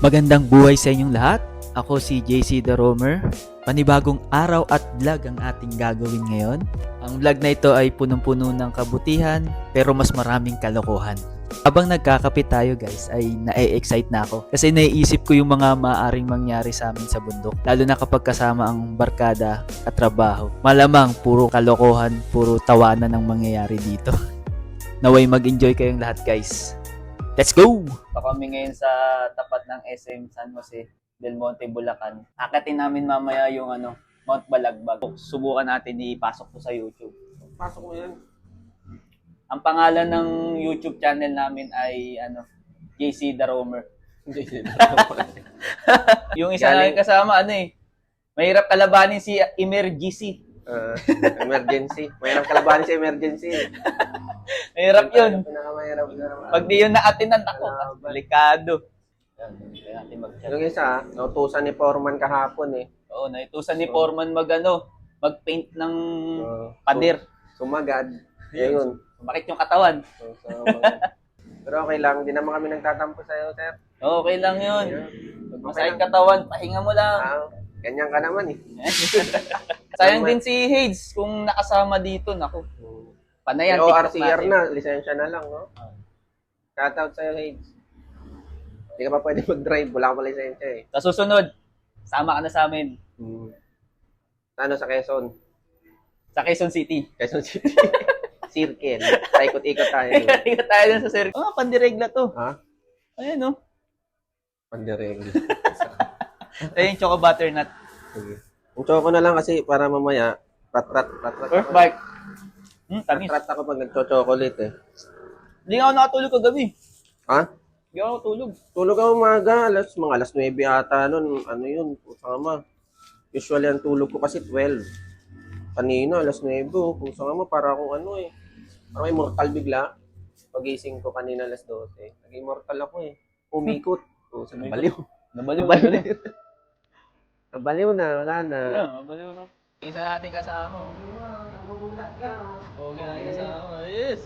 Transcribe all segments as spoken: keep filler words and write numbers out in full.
Magandang buhay sa inyong lahat. Ako si J C The Roamer. Panibagong araw at vlog ang ating gagawin ngayon. Ang vlog na ito ay punong-puno ng kabutihan pero mas maraming kalokohan. Habang nagkakapit tayo guys ay na-excite na ako kasi naiisip ko yung mga maaaring mangyari sa amin sa bundok. Lalo na kapag kasama ang barkada at trabaho. Malamang puro kalokohan, puro tawanan ang mangyayari dito. Naway mag-enjoy kayong lahat guys. Let's go! So kami ngayon sa tapat ng S M San Jose del Monte, Bulacan. Akatin namin mamaya yung ano, Mount Balagbag. Subukan natin ipasok to sa YouTube. Pasok mo yan. Ang pangalan ng YouTube channel namin ay ano, J C The Roamer. Yung isa namin kasama ano eh, mahirap kalabanin si Emergency. Uh, emergency. Mahirap kalabanin sa emergency. Mahirap yun. Pinakamahirap. Pag di yun naatinan ako, delikado. Yung isa, nautusan ni Foreman kahapon eh. Oo, naitusan ni Foreman mag ano, mag-paint ng Uh, pader. Sumagad. Yun. Bakit yung katawan? So, so, pero okay lang, hindi naman kami nagtatampo sa'yo, sir. Okay lang yun. Okay Masayang lang. katawan, pahinga mo lang. Ah, ganyan ka naman eh. Sayang din si Hades kung nakasama dito. Naku, panayan. Pero TikTok R C R natin. na, lisensya na lang, no? Shoutout sa'yo, Hades. Hindi ka pa pwede mag-drive, wala ka pa lisensya eh. Sa susunod, sama ka na sa amin. Hmm. Ano sa Quezon? Sa Quezon City. Quezon City. Circle. Paikot-ikot tayo. Ikot tayo dun sa circle. Oh, pandiregla to. Ha? Ayan oh. Pandireng. Ayun, choco butternut. Sige. Ang choco na lang kasi para mamaya, rat-rat, rat-rat. Earth bike. Hmm, tamis. Rat-rat ako pag nagcho-chocolate eh. Hindi nga ako nakatulog kagabi. Ha? Hindi ako nakatulog. Tulog ako umaga, alas, mga alas nuwebe ata nun. Ano yun? Pusama. Usually ang tulog ko kasi twelve. Kanina, alas nuwebe. Oh. Pusama, para akong ano eh. Parang may mortal bigla. Pagising ko kanina alas dose. Naging mortal ako eh. Umikot. Oh, sa nabaliw. Nabaliw. Nabaliw. Nabaliw na, wala na. Nabaliw na. Isa natin kasama. Okay natin kasama. Yes.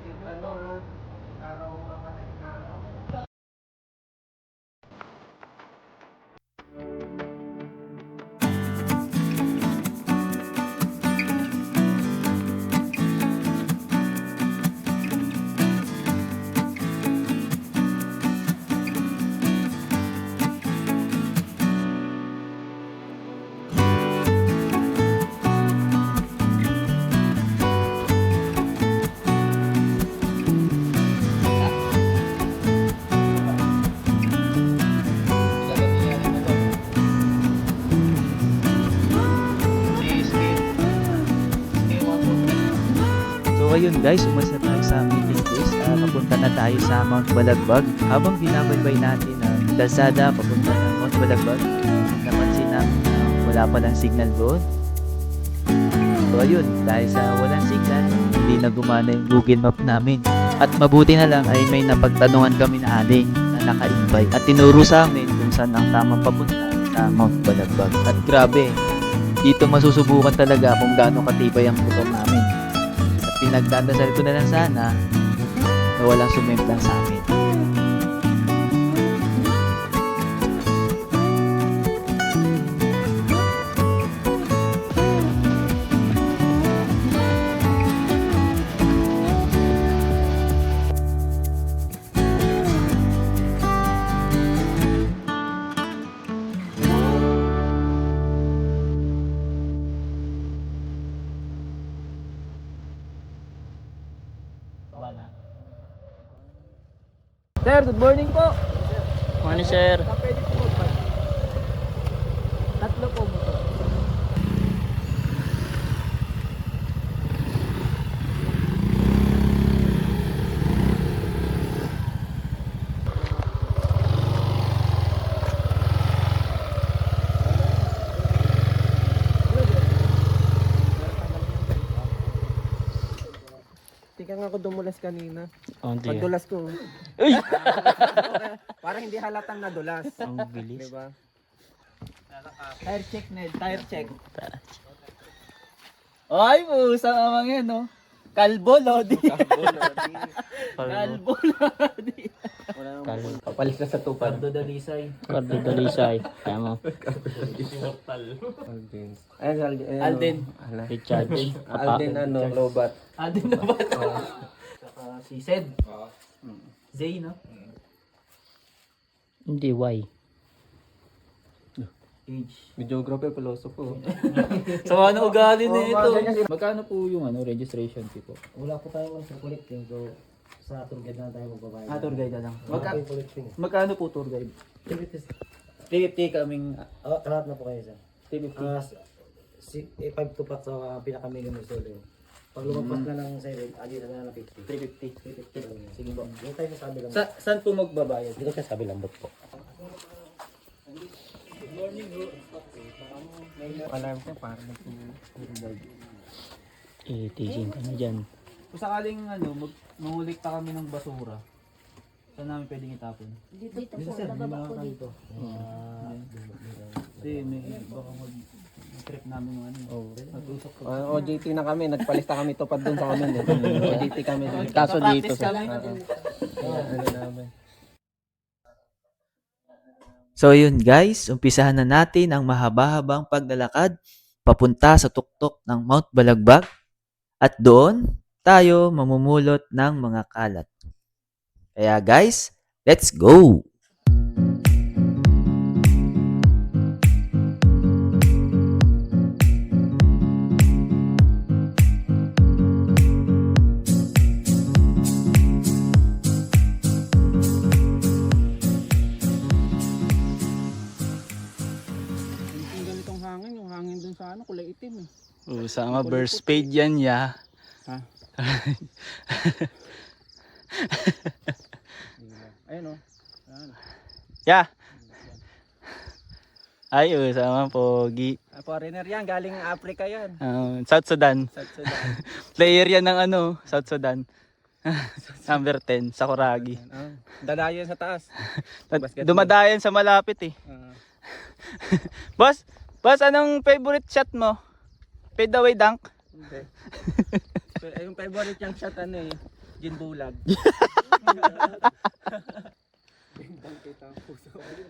So ayun guys, umalis na tayo sa meeting place. Uh, papunta na tayo sa Mount Balagbag. Habang binabaybay natin ang kalsada papunta ng Mount Balagbag, napansin namin na wala palang signal doon. So ayun, dahil sa walang signal, hindi na gumana yung Google Map namin. At mabuti na lang ay may napagtanungan kami na aling na naka-invite at tinuro sa amin kung saan ang tamang papunta sa Mount Balagbag. At grabe, dito masusubukan talaga kung gaano katibay ang motor namin. At pinagdadasal ko na lang sana na walang sumemplang sa amin. Sir, good morning po. Morning, sir. Tatlo po motor. Tika nga ako dumulas kanina. Oh, hindi. Pagdulas ko. Uy! Parang hindi halatang nadulas. Ang bilis. Diba? Tire check, Ned. Tire check. Ay, pusa naman yan, no? Kalbo, Lodi. Kalbo, Lodi. Kalbo, Lodi. Wala nang Kal- bukol. Papalis na sa tupad. Pardo Dalisay. Cardo Dalisay. Kaya mo. Alden. Ayan, si Alden. Ayan, Alden. oh. Ala. Richard. Alden, ano, Lobat. Alden na ba? Saka si Sed. Zay, no? Hindi, why? Age. Videographer, philosopher. So ano ugali na Oh, ito? mga ganyan. Magkano po yung ano registration fee po? Wala po tayo sa collecting, so sa tour guide na tayo magbabayad. Ah, tour guide na lang. Wala Magka po yung collecting. magkano po tour guide? three fifty kaming Oh, lahat na po kayo sir. three fifty. Ah, si, eh, five to pat sa pinaka-minimum solo. Pag lumagpas na ng seven, adi na ng fifty. three fifty. three fifty lang yun. Sige po. Yung tayo sa sabi lang. Sa saan po magbabayad? Dito siya sabi lang po. Alam ko, parang Eh, teasing ka na dyan. Kung sakaling ano, mag mangulikta kami ng basura, saan namin pwedeng itapon? Dito, dito po, nababa po dito. Kasi may baka mag trip namin yung ano. Oh. Nag-usap ko. Uh, O J T na kami, nagpalista kami tupad dun sa amin. Eh. O J T kami. dun. Kaso dito Practice sa... kami. Ano namin. So yun guys, umpisahan na natin ang mahaba-habang paglalakad papunta sa tuktok ng Mount Balagbag at doon tayo mamumulot ng mga kalat. Kaya guys, let's go! Yung ganitong hangin, yung hangin dun sa ano, kulay itim eh. Usama burst fade yan ya. Ayun o. Ayan. Ya! Ay, usama pogi. Ah, foreigner yan, galing Africa yan. Um, South Sudan. South Sudan. Player yan ng ano, South Sudan. Number ten, sa Kuragi. Ah, dadayan sa taas. Basketball. Dumadayan sa malapit eh. Ah, Boss, boss, anong favorite shot mo? Fade away dunk? hindi. Pero, yung favorite yung shot ano eh, gin bulag. Bembang kita ang puso.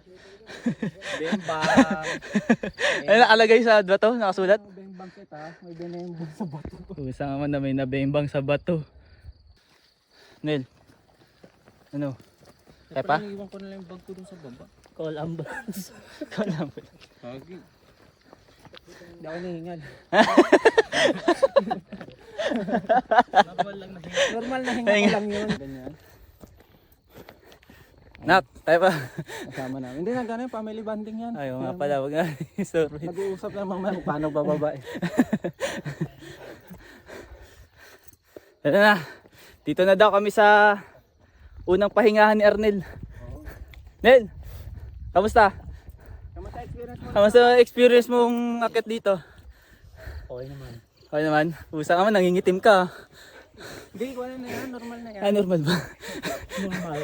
Bembang. Ano nakalagay sa bato? Nakasulat? Bembang kita, may benembang sa bato. Usama na may nabembang sa bato. Nel, ano? Epa? Siyempre, naiwan ko na lang yung bag ko dun sa baba. Call ambulance. Call ambulance. Hagi. Hindi ako nahingal. Normal lang na hingal. Normal na hingal ko lang yun. Ganyan. Nak, tayo pa. Kasama namin. Hindi na gano'n, family bonding yan. Ayaw nga pala, wag nga. Sorry. Nag-uusap lang mamaya kung paano bababa eh. Ito na. Dito na daw kami sa unang pahingahan ni Arnel. Nel, kamusta? Kamusta experience mo? Kamusta ang experience mong akit dito? Okay naman. Okay naman. Pusa ka man, nangingitim ka. Hindi, ko na yan. Normal na yan. Ah, normal ba? Normal.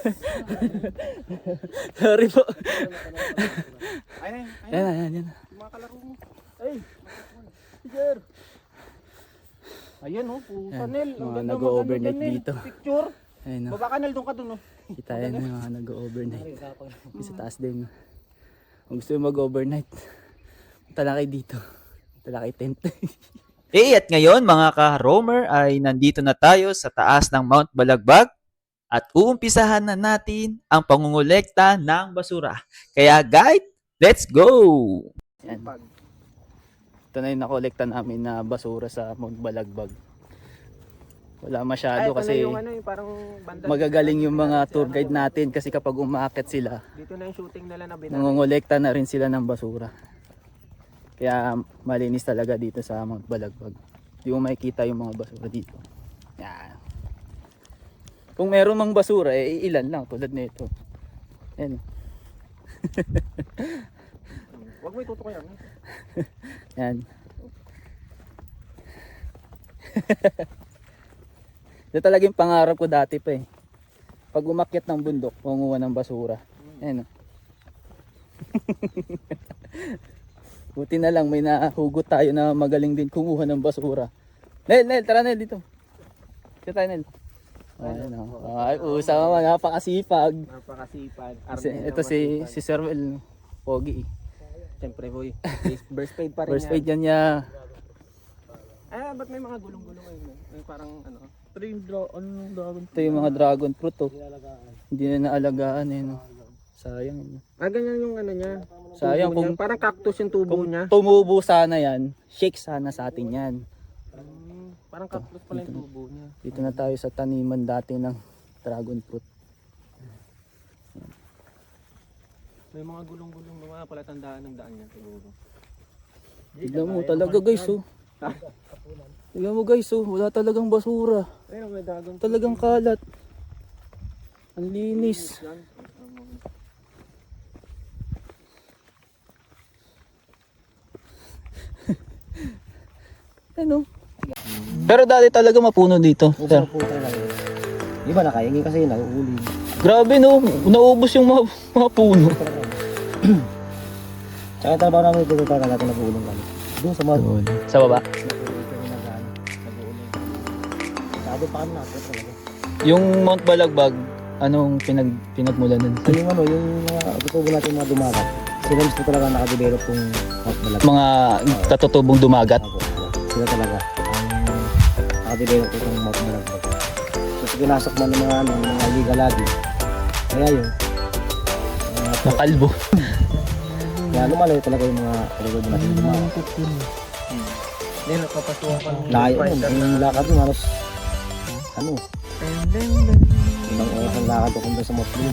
Sorry po. Ayun, ayun. Yan, yan, yan. Yung mga kalaro mo. Ay, sir. Ayan oh, puta Yan, Nel. Ang mga ganda nag-o-overnight maganda, Nel. dito. Picture. Ayun no. Baba ka Nel, doon ka doon oh. Kita yan yung mga nag-overnight. Sa taas din. Kung gusto mo mag-overnight, punta na kayo dito. Punta na kayo tent. Eh at ngayon mga ka-roamer ay nandito na tayo sa taas ng Mount Balagbag at uumpisahan na natin ang pangungulekta ng basura. Kaya guide, let's go! Yan. Ito na yung nakolekta namin na basura sa Mount Balagbag. Wala masyado Ay, ito kasi na yung ano, yung parang banda. magagaling yung mga tour guide natin kasi kapag umaakit sila, Dito na yung shooting nila na binalik. nangongolekta na rin sila ng basura. Kaya malinis talaga dito sa Mount Balagbag. Hindi mo makikita yung mga basura dito. Yan. Kung meron mang basura, eh ilan lang tulad nito. Yan. Huwag mo itutok yan. Yan. Ito talaga yung pangarap ko dati pa eh. Pag umakyat ng bundok, panguha ng basura. Yan. oh. Buti na lang may nahugot tayo na magaling din kumuha ng basura. Nel, Nel, tara Nel dito. Dito tayo Nel. Ayun, oh. Ay, usa naman, napakasipag. Napakasipag. Kasi, ito si, si Sir Will, pogi. Siyempre boy, burst paid pa rin First yan. aid yan niya. Ah, ba't may mga gulong-gulong ayun? May parang ano? Ito yung draw, ano yung dragon? Ito yung mga dragon fruit, oh. Hindi na naalagaan, eh, no. Sayang, eh, no. Ah, ganyan yung ano niya. Sayang Tubo kung, niya. Parang cactus yung tubo kung niya. tumubo sana yan, shake sana sa atin yan. Hmm, parang cactus pala yung tubo niya. Dito na tayo sa taniman dati ng dragon fruit. May mga gulong-gulong na mga palatandaan ng daan niya siguro. Tignan mo talaga guys, oh. Tignan mo guys, oh. Wala talagang basura. Ayun, may dragon. Talagang kalat. Ang linis. Ano? Pero dati talaga mapuno dito. Sir. Po talaga. Di ba nakahingi kasi nauuli. Grabe no, naubos yung mga, mga puno. Tsaka yung trabaho namin dito talaga natin nag-uulong kami. Doon sa mga Sa baba. nag-uulong kami nag-ano, nag-uulong. Sabi pa kami natin talaga. Yung Mount Balagbag, anong pinag pinagmulan nun? So yung ano, yung mga gusto natin mga dumagat. Sila mismo talaga nakadevelop kung malag. Mga katutubong dumagat. Ako, sila talaga ang nakadevelop itong mga malagbag. Kasi pinasok man ng mga, ano, mga liga lagi. Kaya yun. Uh, Nakalbo. kaya lumalayo talaga yung mga kalagod natin dumagat. Hindi, napapasukan pa. Layo yun. Yung lakad yun, halos ano, ilang oras ang lakad ko kung doon sa Motley.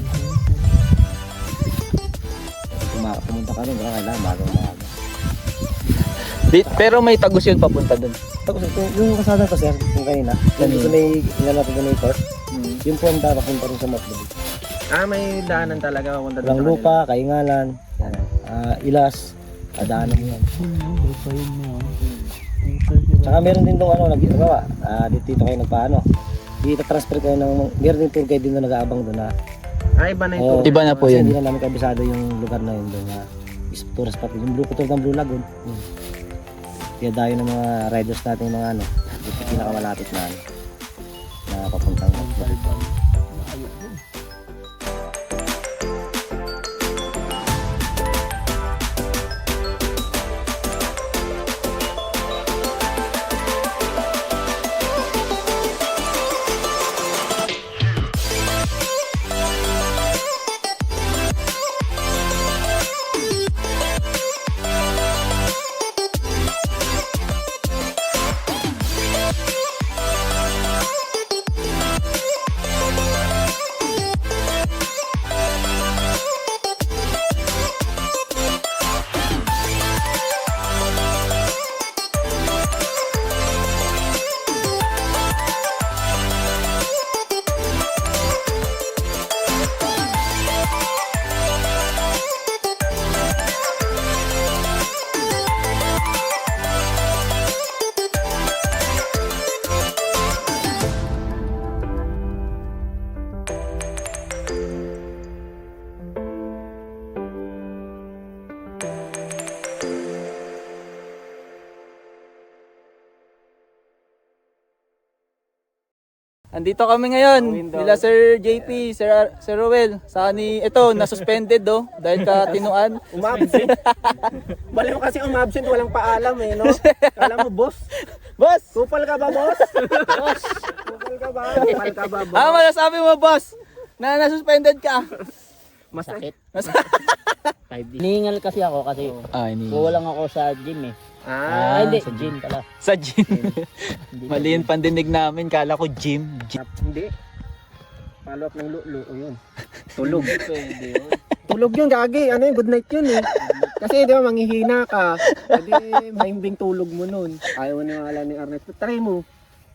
Puma- Pumunta ka rin, baka kailangan magang maaga. Di- pero may tagos yun papunta dun. Tapos ito, yung kasada ko sir, yung kanina, yung ito may inalatin ko na yung court, yung puwanda papunta rin sa Motley. Ah, may daanan talaga papunta doon Walang sa kanila. lupa, kaingalan, yan, ah, ilas, adaanan mo yan. Tsaka meron din doon ano, nag-gawa, ah, dito, dito kayo nagpaano. Dito transfer kayo ng, meron din tour guide din na nag-aabang doon na. Ah, iba na Oo, ito. Iba na po kasi yun. hindi na namin kabisado yung lugar na yun doon na is tourist spot. Yung blue tour ng Blue Lagoon. Hmm. Kaya dayo ng mga riders natin mga ano, dito pinakamalapit na ano, na papuntang Andito kami ngayon, nila Sir J P, Sir, Ar- Sir Rowel. Saka ni, ito, na-suspended do, dahil ka tinuan. Umabsent. Bali mo kasi umabsent, walang paalam eh, no? Kala mo, boss. Boss! Kupal ka ba, boss? Boss! Kupal ka ba? Kupal ka ba, boss? Ah, masasabi mo, boss, na na-suspended ka. Masakit. Hiningal kasi ako kasi Ah, ini. kulang ako sa gym eh. Ah, Ah, hindi, sa gym pala. Sa gym. Hindi Mali yung pandinig namin, kala ko gym. gym. hindi. Follow up ng lulo, o yun. Tulog. Pwede yun. Tulog yun, gagi. Ano yun, good night yun eh. Kasi di ba, manghihina ka. Hindi, mahimbing tulog mo nun. Ayaw mo na ni Ernesto. Try mo.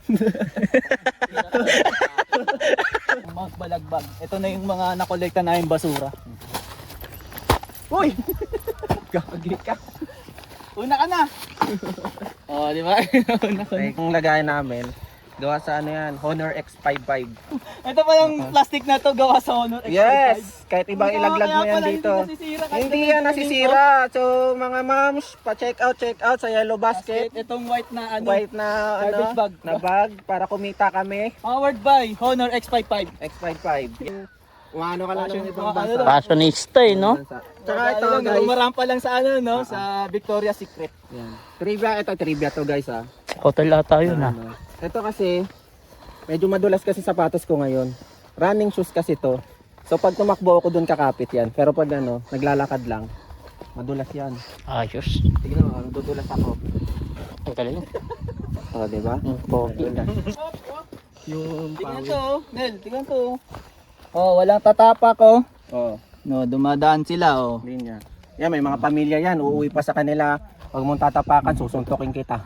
Mount Balagbag. Ito na yung mga nakolekta na yung basura. Uy! Gagi ka. Una ka na! Oh, di ba? Una ka na. Ang lagay namin, Gawa sa ano yan, Honor X fifty-five. Ito pa yung plastic na to gawa sa Honor X Yes! Kahit ibang Kaya ilaglag mo pala yan hindi dito. nasisira kahit Hindi ito yan yung nasisira. So mga moms, pa-check out, check out sa Yellow basket. Basket. Itong white na ano, White na ano, Garbage bag. na bag para kumita kami. powered by Honor X fifty-five. X fifty-five. Umano ka lang ng ibang Mga bansa. ano lang. Fashionista eh, no? Tsaka ito Ano lang, guys, umarampa lang sa ano, no? Sa Victoria's Secret. trivia, ito trivia to guys ha. Hotel ata yun ah. Ano, ito kasi, medyo madulas kasi sapatos ko ngayon. Running shoes kasi to. So pag tumakbo ako dun kakapit yan. Pero pag ano, naglalakad lang, madulas yan. Ayos. Tignan mo, ang dudulas ako. Ang galing. O, oh, di ba? Ang pogi. Yung Tingnan pawis. to, Nel, tingnan to. Oh, walang tatapak oh. Oh, No, dumadaan sila oh. linya. Yan, may mga pamilya yan. Uuwi pa sa kanila. Pag mong tatapakan, susuntokin kita.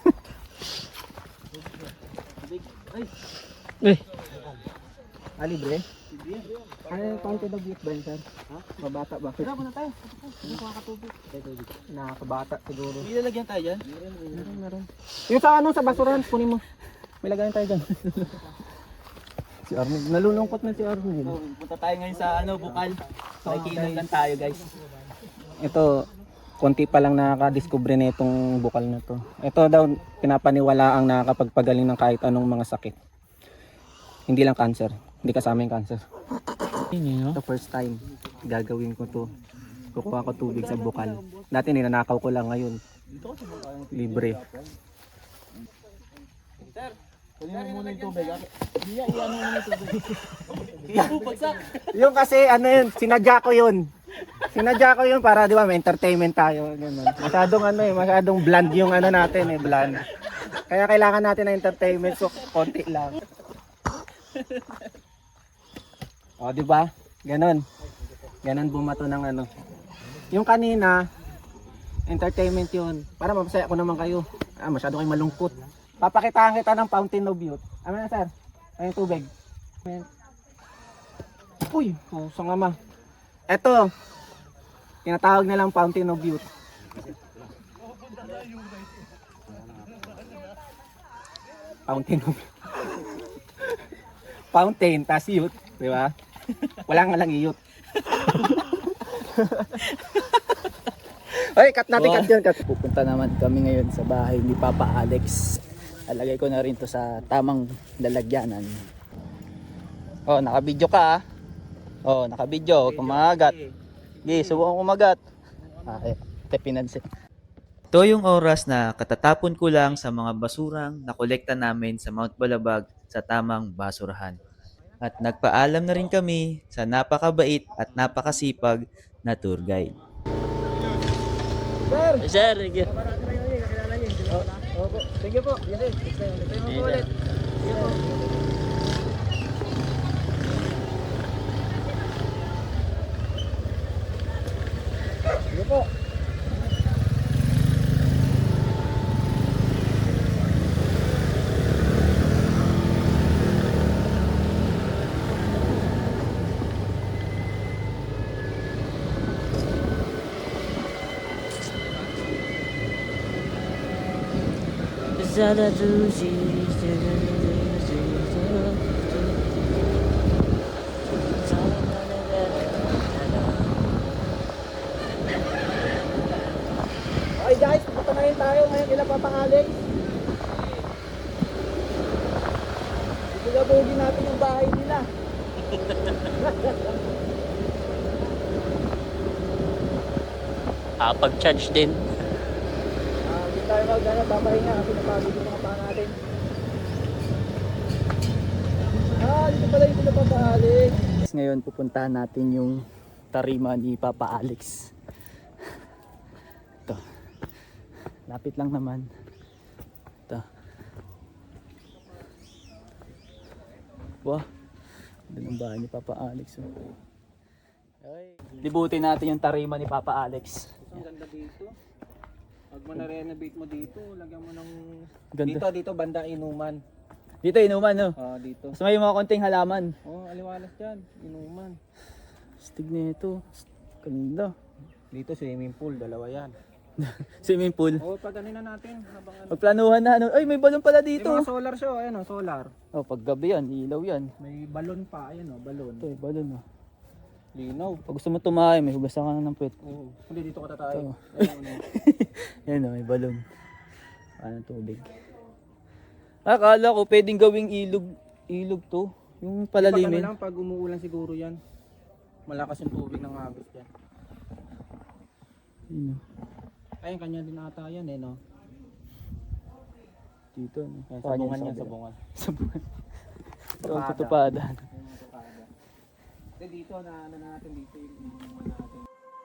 Eh, Ah, libre? Ano, counted of youth ba yun, sir? Ha? Mabata ba? Tara, muna tayo. Hindi ko makakatubig. Nakakabata siguro. Hindi lalagyan tayo dyan. Meron, meron. Yung sa ano, sa basurahan, kunin mo. May lagayan tayo dyan. Si Arnel, nalulungkot na si Arnel. So, punta tayo ngayon sa ano, Bukal. Makikinom lang tayo guys. Ito, konti pa lang nakaka-discover na itong bukal na to. Ito daw, pinapaniwala ang nakakapagpagaling ng kahit anong mga sakit. Hindi lang cancer. Hindi kasama yung cancer. yun The first time, gagawin ko to. Kukuha ko tubig sa bukal. Dati ninanakaw ko lang, ngayon. Libre. Kunin mo muna yung tubig. Hindi, iyan mo muna yung tubig. Bagsak. Yung kasi ano yun, sinadya ko yun. Sinadya ko yun para di ba may entertainment tayo. Ganun. Masyadong ano eh, masyadong bland yung ano natin eh, bland. Kaya kailangan natin ng entertainment so konti lang. O di ba? Ganon. Ganon bumato ng ano. Yung kanina, entertainment yun. Para mapasaya ko naman kayo. Ah, masyado kayo malungkot. Papakitaan kita ng fountain of youth. Ano na sir? Ayun tubig. Ayan. Uy, puso nga ma. Eto, tinatawag nilang fountain of youth. Fountain of Fountain, tas youth, di ba? Wala nga lang youth. Ay, cut natin, cut yun, cut. Pupunta naman kami ngayon sa bahay ni Papa Alex. Alagay ko na rin to sa tamang lalagyanan. Oh, naka-video ka ah. Oh, naka-video. Kumagat. Sige, subukan kumagat. Ah, eh, te pinansin. Ito yung oras na katatapon ko lang sa mga basurang nakolekta namin sa Mount Balabag sa tamang basurahan. At nagpaalam na rin kami sa napakabait at napakasipag na tour guide. Sir, sige. Sige po. Sige, sige mo ulit. Sige po. Sige po. Okay guys, pupunta na rin tayo ngayon kila Papa Alex. Sigabugin natin yung bahay nila. Ah, pag-charge din. Ah, hindi tayo mag-ano, papahinga kasi napagod yung mga paa natin. Ah, dito pala yung sila Papa Alex. Ngayon pupuntahan natin yung tarima ni Papa Alex. Ito. Lapit lang naman. Ito. Wow. Ganda ng bahay ni Papa Alex. Oh. Okay. Libutin natin yung tarima ni Papa Alex. Ang ganda dito. Pag mo na-renovate mo dito, lagyan mo ng... Ganda. Dito, dito, banda inuman. Dito inuman, no? Ah, dito. Mas may mga konting halaman. Oh, aliwalas dyan. Inuman. Stig na ito. Ganda. Dito, swimming pool. Dalawa yan. Swimming pool. Oo, pag ano na natin. Habang ano. Magplanuhan na ano. Ay, may balon pala May dito. mga solar show, ayan o, solar. Oh, pag gabi yan, ilaw yan. May balon pa, ayan o, balon. Ito, eh, balon oh. Linaw. Pag gusto mo tumahay, may hugasan ka na ng puwet. Oo. Hindi, dito ka tatay. Ito. Ayan, ano. Yan oh, may balon. Ano tubig. Akala ko pwedeng gawing ilog, ilog to. Yung Pag ano palalimin. lang, pag umuulan siguro yan. Malakas yung tubig ng agos yan. Yun, oh. Ayun, kanya din ata yan eh, no? Dito, no? Yan, Kanya sabungan sa yan, kabila. sabungan. Sabungan. Ito ang Tupada. tutupadan. Hindi, dito na ano natin dito yung inuman natin.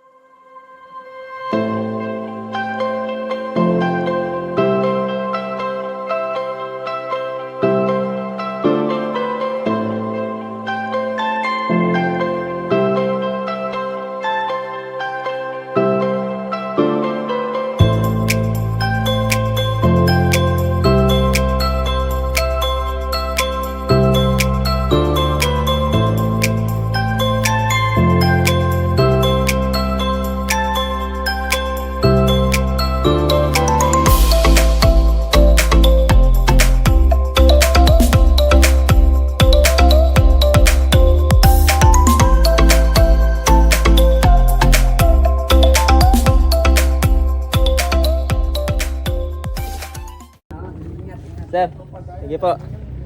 Sir, sige po.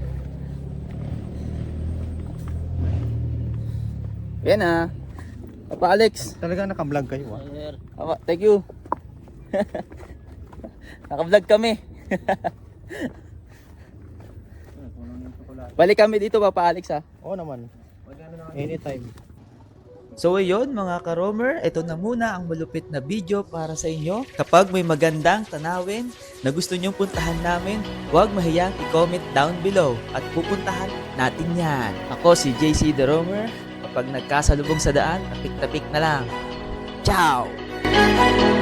Yan ah. Papa Alex. Talaga naka-vlog kayo ah. Sir. Papa, thank you. Naka-vlog kami. Balik kami dito Papa Alex ah. Oo naman. Anytime. So ayun mga ka-roamer, ito na muna ang malupit na video para sa inyo. Kapag may magandang tanawin na gusto nyong puntahan namin, huwag mahiyang i-comment down below at pupuntahan natin yan. Ako si J C The Roamer, kapag nagkasalubong sa daan, tapik-tapik na lang. Ciao!